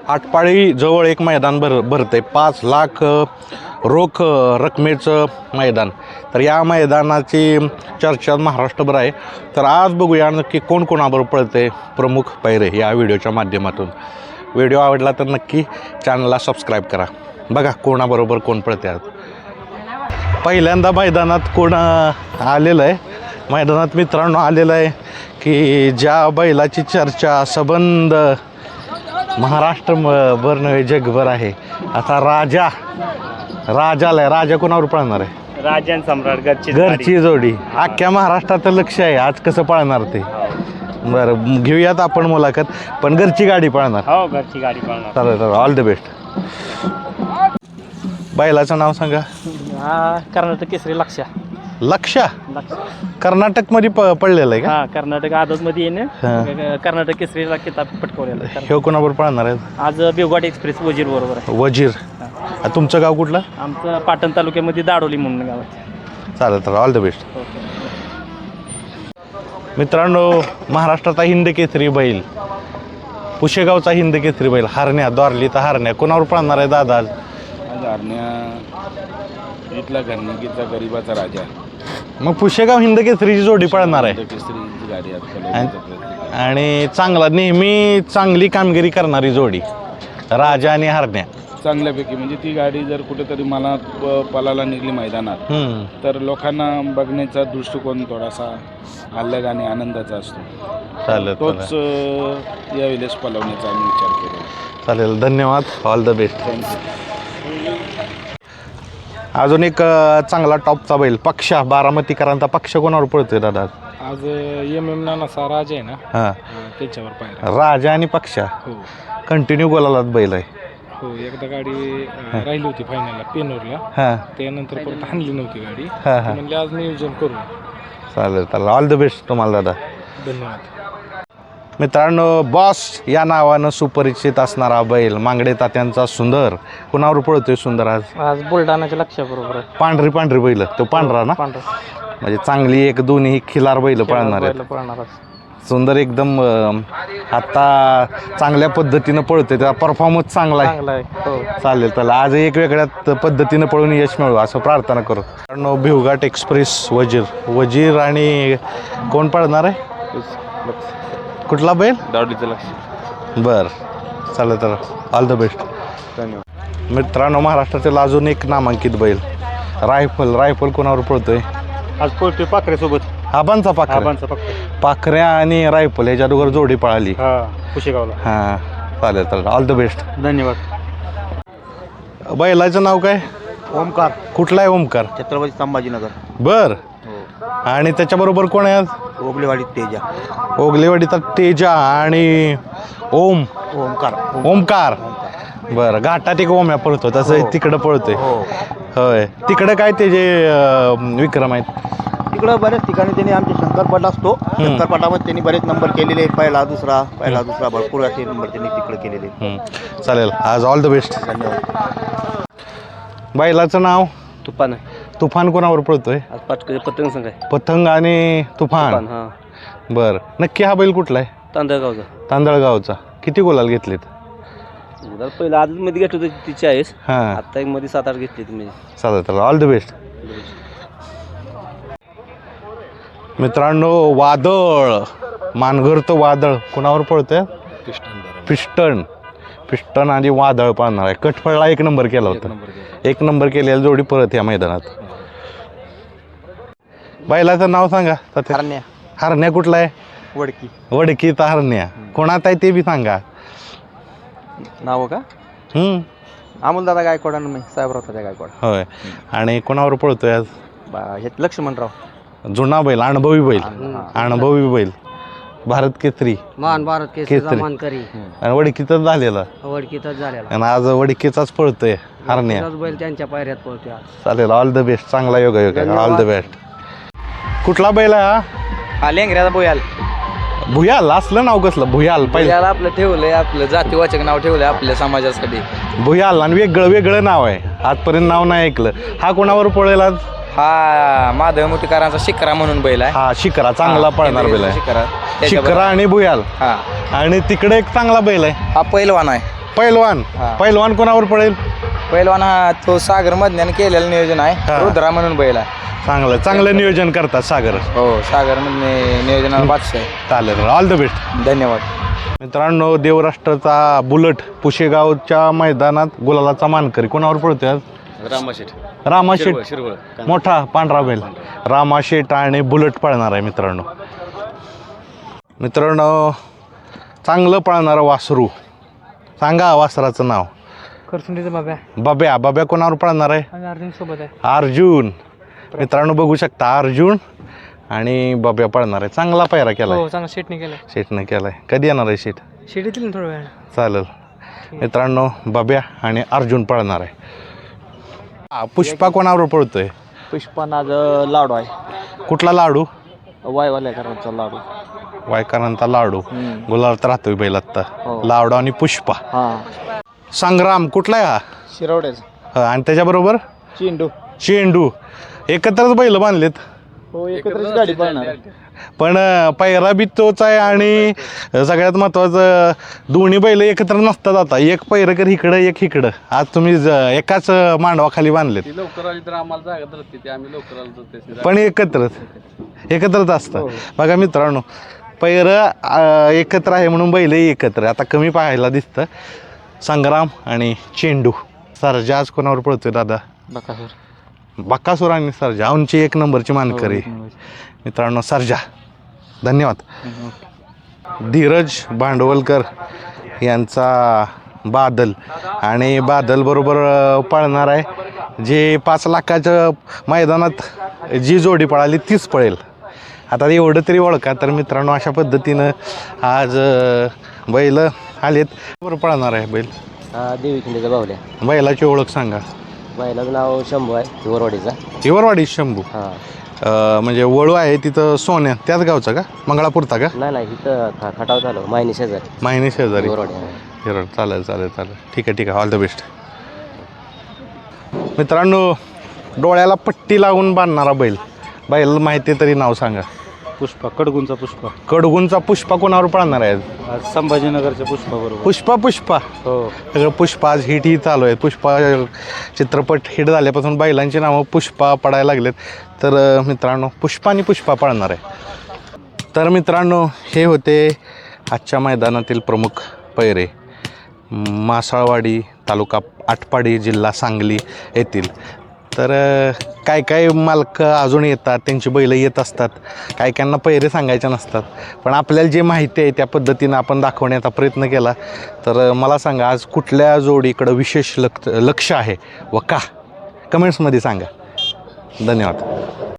आटपाडी जवळ एक मैदान भरतंय 5 लाख रोख रकमेचं मैदान. तर या मैदानाची चर्चा महाराष्ट्रभर आहे. तर आज बघूया नक्की कोण कोणाबरोबर पळते प्रमुख पैरे या व्हिडिओच्या माध्यमातून. व्हिडिओ आवडला तर नक्की चॅनलला सबस्क्राईब करा. बघा कोणाबरोबर कोण पळते. आज पहिल्यांदा मैदानात कोण आलेलं आहे, मैदानात मित्रांनो आलेलं आहे की ज्या बैलाची चर्चा सबंध महाराष्ट्रभर नव्हे जगभर आहे. आता राजाला राजा कोणावर पळणार आहे? राजन सम्राट घरची जोडी. अख्ख्या महाराष्ट्रात लक्ष आहे आज कसं पळणार ते. बरं घेऊयात आपण मुलाखत, पण घरची गाडी पळणार. हो घरची गाडी पळणार. चालेल ऑल द बेस्ट. बैलाचं नाव सांगा. हा कर्नाटक केसरी लक्षा कर्नाटकमध्ये पडलेलं आहे का? हा कर्नाटक आदतमध्ये येणे कर्नाटक केसरीला किताब पटकवलेला. हे कोणाबरोबर पळणार आहे आज बेवघाट एक्सप्रेस वजीर बरोबर आहे. वजीर. तुमचं गाव कुठलं? आमचं पाटण तालुक्यामध्ये दाडोली म्हणून गाव आहे. चालेल तर ऑल द बेस्ट. मित्रांनो महाराष्ट्राचा हिंद केसरी बैल, पुशेगावचा हिंद केसरी बैल हरण्या, द्वारलीचा हरण्या कोणावर पळणार आहे दादा? आज हरण्या इथला घरनिकीचा गरीबाचा राजा. मग पुशेगाव हिंद केसरीची जोडी पळणार आहे केसरीची गाडी आणि चांगला नेहमी चांगली कामगिरी करणारी जोडी राजा आणि हरण्या. चांगल्यापैकी म्हणजे ती गाडी जर कुठेतरी मला पलाला निघली मैदानात तर लोकांना बघण्याचा दृष्टिकोन थोडासा अलग आणि आनंदाचा असतो. चालेल तोच यावेळेस पलवण्याचा आम्ही विचार केला. चालेल धन्यवाद. All the best. अजून एक चांगला टॉपचा बैल पक्षा, बारामतीकरांचा पक्ष कोणावर पळतोय दादा? आज एम नानाचा राजा आहे ना, हां त्याच्यावर पाहिजे. राजा आणि पक्षा हो कंटिन्यू गोलालाच बैल आहे. हो एकदा गाडी राहिली होती फायनलला पेनूरला, हां त्यानंतर परत हाणली नव्हती गाडी. हां हां म्हणजे आज नियोजन करू. चालेल चालेल ऑल द बेस्ट तुम्हाला दादा. धन्यवाद. मित्रांनो बॉस या नावानं सुपरिचित असणारा बैल मांगडे तात्यांचा सुंदर कुणावर पळतोय सुंदर? आज बुलढाणाच्या लक्षाबरोबर आहे. पांढरी बैल, तो पांढरा ना, म्हणजे चांगली एक दोन्ही खिलार बैल पळणार आहेत. सुंदर एकदम आता चांगल्या पद्धतीनं पळतोय, त्याचा परफॉर्मन्स चांगला आहे. चालेल तर आज एक वेगळ्या पद्धतीनं पळून यश मिळू असं प्रार्थना करू. कारण भिवघाट एक्सप्रेस वजीर आणि कोण पळणार आहे? कुठला बैल? दावडीचं लक्ष. बर चालेल तर ऑल द बेस्ट. धन्यवाद. मित्रांनो महाराष्ट्रातील अजून एक नामांकित बैल रायफल कोणावर पळतोय? आज पळतोय पाखऱ्यासोबत. आबांचा पाखऱ्या आणि रायफल ह्याच्या दोघं जोडी पळाली पुशेगावला. हां चालेल ऑल द बेस्ट. धन्यवाद. बैलाचं नाव काय? ओमकार. कुठला आहे ओमकार? छत्रपती संभाजीनगर. बर. आणि त्याच्याबरोबर कोण आहे आज? ओगलेवाडीत तेजा. ओगलेवाडीचा तेजा आणि ओमकार. बरं घाटात एक ओम्या पळतो तसं तिकडं पळतोय. होय तिकडं काय ते जे विक्रम आहेत? तिकडं बऱ्याच ठिकाणी त्यांनी आमचे शंकरपट असतो. शंकरपटामध्ये त्यांनी बरेच नंबर केलेले, पहिला दुसरा भरपूर असे नंबर त्यांनी तिकडे केलेले. चालेल आज ऑल द बेस्ट. धन्यवाद. बैलाचं नाव? तुफान आहे. तुफान कोणावर पळतोय? आज पतंग संघ आहे. पतंग आणि तुफान. बर नक्की हा बैल कुठला आहे? तांदळगावचा. तांदळगावचा. किती गुलाल घेतलेत? पहिला आदत मध्ये घेतलं होतं ती 40. हां आता एक मध्ये 7-8 घेतली तुम्ही. चालेल ऑल द बेस्ट. मित्रांनो वादळ मानघर तो वादळ कोणावर पळतोय? पिस्टन आणि वादळ पाळणार आहे. कटफळला 1 नंबर केला होता. 1 नंबर केलेला जोडी परत या मैदानात. बैलाचं नाव सांगा. हरण्या कुठला आहे? वडकीचा हरण्या. कोणात आहे ते बी सांगा. नाव का? अमोलदादा गायकवाड आणि साहेबराव गायकवाड. होय. आणि कोणावर पळतोय आज? लक्ष्मणराव. जुना बैल, अनुभवी बैल भारत केसरी, भारत केसरी मानकरी आणि वडकीचाच झालेला. आणि आज वडकीचाच पळतोय हरण्या. बैल त्यांच्या पायऱ्यात पळतोय. चालेल ऑल द बेस्ट. चांगला योगा ऑल द बेस्ट. कुठला बैल आहे हा? लेंगऱ्याचा भुयाल. असलं नाव कसलं भुयाल? पहिलं आपलं ठेवलंय, आपलं जातीवाचक नाव ठेवलंय आपल्या समाजासाठी भुयाल. आणि वेगळं नाव आहे, आजपर्यंत नाव नाही ऐकलं. हा कोणावर पळेल आज? हा माधव मुठीकरांचा शिकरा म्हणून बैल आहे. हा शिकरा चांगला पळणार बैल आहे. शिकरा आणि भुयाल. हा आणि तिकडे एक चांगला बैल आहे. हा पैलवान आहे. पैलवान पैलवान कोणावर पडेल? पहिलवान हा तो सागर मधल्याने केलेलं नियोजन हा. आहे रुद्रा म्हणून बैल आहे. चांगलं नियोजन करतात सागर. हो सागर मधले नियोजनाला बादशाह आहे. चालेल, ऑल द बेस्ट. धन्यवाद. मित्रांनो, देवराष्ट्राचा बुलट पुशेगावच्या मैदानात गुलालाचा मानकरी कोणावर पडतोय आज? रामाशेठ मोठा पांढरा बैल रामाशेठ आणि बुलट पळणार आहे. मित्रांनो चांगलं पळणारं वासरू, सांगा वासराचं नाव. करसुंडीचा बाब्या कोणावर पळणार आहे? अर्जुन सोबत आहे. अर्जुन. मित्रांनो बघू शकता, अर्जुन आणि बाब्या पळणार आहे. चांगला पायरा केलाय, चांगला शेटने केलं. शेठने केलाय. कधी येणार आहे शेठ? शेट येतील थोड्या वेळ. चालेल. मित्रांनो बाब्या आणि अर्जुन पळणार आहे. पुष्पा कोणावर पळतोय? पुष्पा नाग लाडू आहे. कुठला लाडू? वायवाल्याकरांचा लाडू. वायकरांचा लाडू. गुलाबात राहतोय बैल आत्ता. लाडू आणि पुष्पा. हा संग्राम कुठला आहे हा? शिरवड्याचा. आणि त्याच्याबरोबर चेंडू. एकत्रच बैल बांधलेत. हो एकत्रच गाडी पळणार. पण पायरा बी तोच आहे आणि सगळ्यात महत्वाचं दोन्ही बैल एकत्र नसतात. आता एक पैरकर इकडं एक इकडं. आज तुम्ही एकाच मांडवाखाली बांधलेत. लवकर आली तर आम्हाला जागा धरते ते आम्ही लवकर आलो तर पण एकत्रच असतं. बघा मित्रांनो, पैर एकत्र आहे म्हणून बैल एकत्र. आता कमी पाहायला दिसतं. संग्राम आणि चेंडू. सरजा आज कोणावर पळतोय दादा? बकासूर आणि सरजा आमची 1 नंबरची मानकरी. मित्रांनो सरजा. धन्यवाद. धीरज भांडवलकर यांचा बादल आणि बादल बरोबर पळणार आहे. जे 5 लाखाच्या मैदानात जी जोडी पळाली तीच पळेल. आता एवढं तरी ओळखा. तर मित्रांनो अशा पद्धतीनं आज बैल आलेत. बरोबर पळणार आहे बैल. देवी खिंडीचा बावल्या. बैलाची ओळख सांगा. बैलाचं नाव शंभू आहे हिवरवाडीचा. हिवरवाडी शंभू. म्हणजे वळू आहे तिथं सोन्या त्याच गावचा का? मंगळापूरचा का? नाही इथं खटाव झालो मायनी शेजारी. माहिनी शेजारी. हिवरवाडी. हिरड. चालेल. ठीक आहे ऑल द बेस्ट. मित्रांनो, डोळ्याला पट्टी लावून बांधणारा बैल माहिती तरी नाव सांगा. पुष्पा कडगुंचा पुष्पा. कडगुंचा पुष्पा कोणावर पळणार आहे? संभाजीनगरच्या पुष्पा बरोबर. पुष्पा हो सगळं पुष्पा आज हिट ही चालू आहे. पुष्पा चित्रपट हिट झाल्यापासून बैलांची नावं पुष्पा पडायला लागलेत. तर मित्रांनो पुष्पा आणि पुष्पा पळणार आहे. तर मित्रांनो हे होते आजच्या मैदानातील प्रमुख पैरे. मासाळवाडी तालुका आटपाडी जिल्हा सांगली येथील. तर काय मालक अजून येतात, त्यांची बैलं येत असतात. कायकांना पैरे सांगायचे नसतात. पण आपल्याला जे माहिती आहे त्या पद्धतीनं आपण दाखवण्याचा प्रयत्न केला. तर मला सांगा आज कुठल्या जोडीकडं विशेष लक्ष आहे व का? कमेंट्समध्ये सांगा. धन्यवाद.